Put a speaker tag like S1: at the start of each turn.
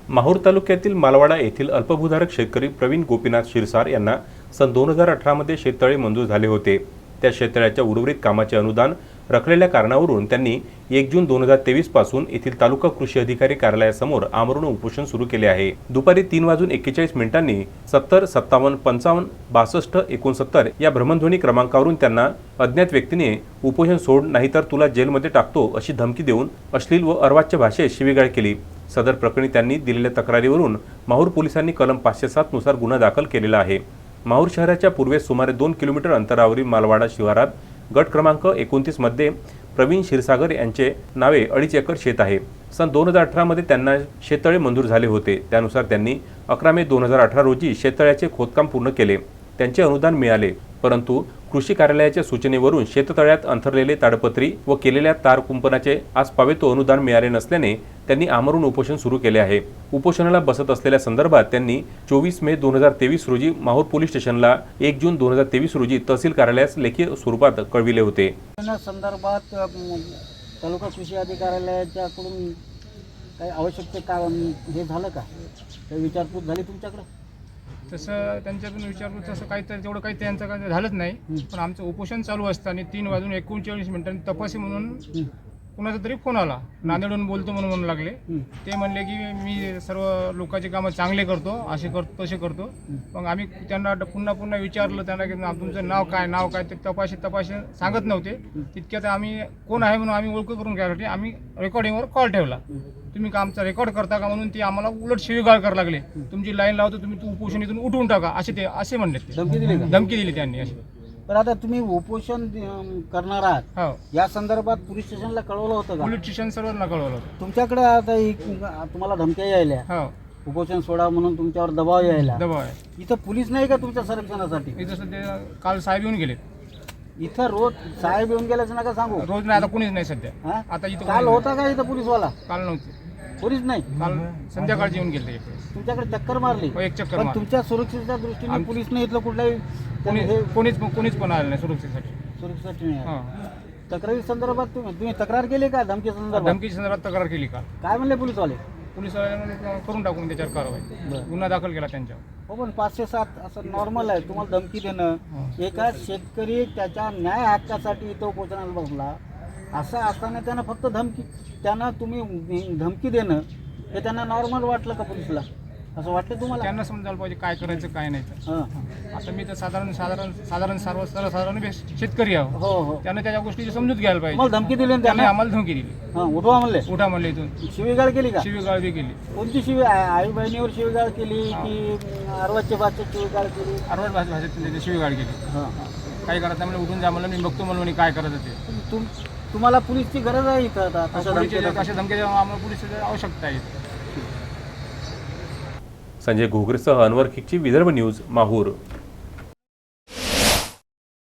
S1: माहूर तालुक्यातील मालवाडा येथील अल्पभूधारक शेतकरी प्रवीण गोपीनाथ शिरसार यांना सन 2018 मध्ये शेततळे मंजूर झाले होते। त्या शेततळ्याच्या उर्वरित कामाचे अनुदान रखलेल्या कारणावरून त्यांनी 1 जून 2023 पासून येथील तालुका कृषी अधिकारी कार्यालयासमोर आमरण उपोषण सुरू केले आहे। दुपारी 3:41 70 57 55 62 69 या भ्रमणध्वनी क्रमांकावरून त्यांना अज्ञात व्यक्तीने उपोषण सोड नाहीतर तुला जेलमध्ये टाकतो अशी धमकी देऊन अश्लील व अर्वाच्य भाषेत शिवीगाळ केली। सदर प्रकरणी त्यांनी दिलेल्या तक्रारीवरून माहूर पोलिसांनी कलम 507 नुसार गुन्हा दाखल केलेला आहे। माहूर शहराच्या पूर्वेस सुमारे 2 किलोमीटर अंतरावरील मालवाडा शिवारात गट क्रमांक 29 मध्ये प्रवीण क्षीरसागर यांचे नावे 2.5 एकर शेत आहे। सन 2018 मध्ये त्यांना शेततळे मंजूर झाले होते। त्यानुसार त्यांनी 11 मे 2018 रोजी शेततळ्याचे खोदकाम पूर्ण केले। त्यांचे अनुदान मिळाले, परंतु कृषी कार्यालयाच्या सूचनेवरून शेततळ्यात अंथरलेले ताडपत्री व केलेल्या तार कुंपणाचे आसपावे तो अनुदान मिळाले नसल्याने त्यांनी आमरण उपोषण सुरू केले आहे। उपोषणाला बसत असलेल्या संदर्भात त्यांनी 24 मे 2023 रोजी माहूर पोलीस स्टेशनला 1 जून 2023 रोजी तहसील कार्यालयास लेखी स्वरूपात कळविले होते।
S2: या संदर्भात तालुका कृषी अधिकाऱ्याकडून काही आवश्यक हे झालं का? काही विचारपूस झाली तुमच्याकडे?
S3: तसं त्यांच्याकडून विचारपूस तसं काही तर तेवढं काही त्यांचं काही झालंच नाही। पण आमचं उपोषण चालू असताना 3:39 तपासी म्हणून कुणाचा तरी फोन आला, नांदेडहून बोलतो म्हणून लागले। ते म्हणले की मी सर्व लोकांची कामं चांगले करतो, असे करतो तसे करतो। मग आम्ही त्यांना पुन्हा विचारलं त्यांना की तुमचं नाव काय ते तपाशी सांगत नव्हते। तितक्यात आम्ही कोण आहे म्हणून आम्ही ओळख करून घ्यायसाठी आम्ही रेकॉर्डिंगवर कॉल ठेवला। तुम्ही आमचा रेकॉर्ड करता का म्हणून ती आम्हाला उलट शिवीगाळ करायला लागले। तुमची लाईन लावतो, तुम्ही उपोषण इथून उठवून टाका असे म्हणले। धमकी दिली त्यांनी अशी।
S2: पण आता तुम्ही उपोषण करणार आहात,
S3: हो,
S2: या संदर्भात पोलीस स्टेशनला कळवलं होतं का?
S3: पोलीस स्टेशन सर्वांना कळवलं होतं।
S2: तुमच्याकडे आता तुम्हाला धमक्या यायल्या,
S3: हो,
S2: उपोषण सोडा म्हणून तुमच्यावर दबाव यायला,
S3: दबाव आहे।
S2: इथं पोलीस नाही का तुमच्या संरक्षणासाठी?
S3: इथं सध्या काल साहेब येऊन गेले।
S2: इथं रोज साहेब येऊन गेल्याचं नका सांगू।
S3: रोज नाही, आता कोणीच नाही सध्या।
S2: हा?
S3: आता इथं
S2: काल होता का इथं पोलीसवाला?
S3: काल नव्हते,
S2: पोलीस नाही,
S3: काल संध्याकाळची येऊन गेले।
S2: तुमच्याकडे चक्कर मारली?
S3: एक चक्कर
S2: पण
S3: मारली।
S2: तुमच्या सुरक्षेच्या दृष्टीने पोलीस नाही इथलं कुठलाही
S3: कोणीच पण आलं नाही सुरक्षेसाठी।
S2: सुरक्षेसाठी नाही आलं.
S3: हां,
S2: तक्रारी संदर्भात तुम्ही तक्रार केली का? धमकी संदर्भात
S3: धमकीच्या संदर्भात तक्रार केली का?
S2: काय म्हणले पोलीसवाले?
S3: पोलिसवाल्यांनी करून टाकून त्याच्यावर कारवाई, गुन्हा दाखल केला त्यांच्यावर।
S2: हो, पण 507 असं नॉर्मल आहे तुम्हाला धमकी देणं? एका शेतकरी त्याच्या न्याय हक्कासाठी इथं उपोषणाला बसला, असं असताना त्यांना फक्त तुम्ही धमकी देणं हे त्यांना नॉर्मल वाटलं का पोलिसला? असं वाटलं तुम्हाला?
S3: त्यांना समजायला पाहिजे काय करायचं काय नाही तर। आता मी तर साधारण सर्वसाधारण शेतकरी आहो।
S2: हो,
S3: त्यांना त्याच्या गोष्टीची समजूत घ्यायला पाहिजे।
S2: मला धमकी दिली
S3: त्यांनी आम्हाला धमकी दिली,
S2: उठवा म्हणले?
S3: उठा म्हणले, इथून
S2: शिवीगाळ केली का?
S3: शिवीगाळ बी केली।
S2: कोणती आई बहिणीवर शिवीगाळ केली की अर्वाच्य भाषेत शिवीगाळ केली?
S3: अर्वाच भाषेत शिवीगाळ केली। काय करायचं म्हणलं, उठून जा म्हणलं, मी बघतो म्हणून काय करायचं ते।
S2: तुम्हाला पोलीसची गरज आहे इथं आता?
S3: अशा धमकी आम्हाला पोलिसाची आवश्यकता आहे।
S1: संजय घोगरेसह अनवर खिकची विदर्भ न्यूज माहूर।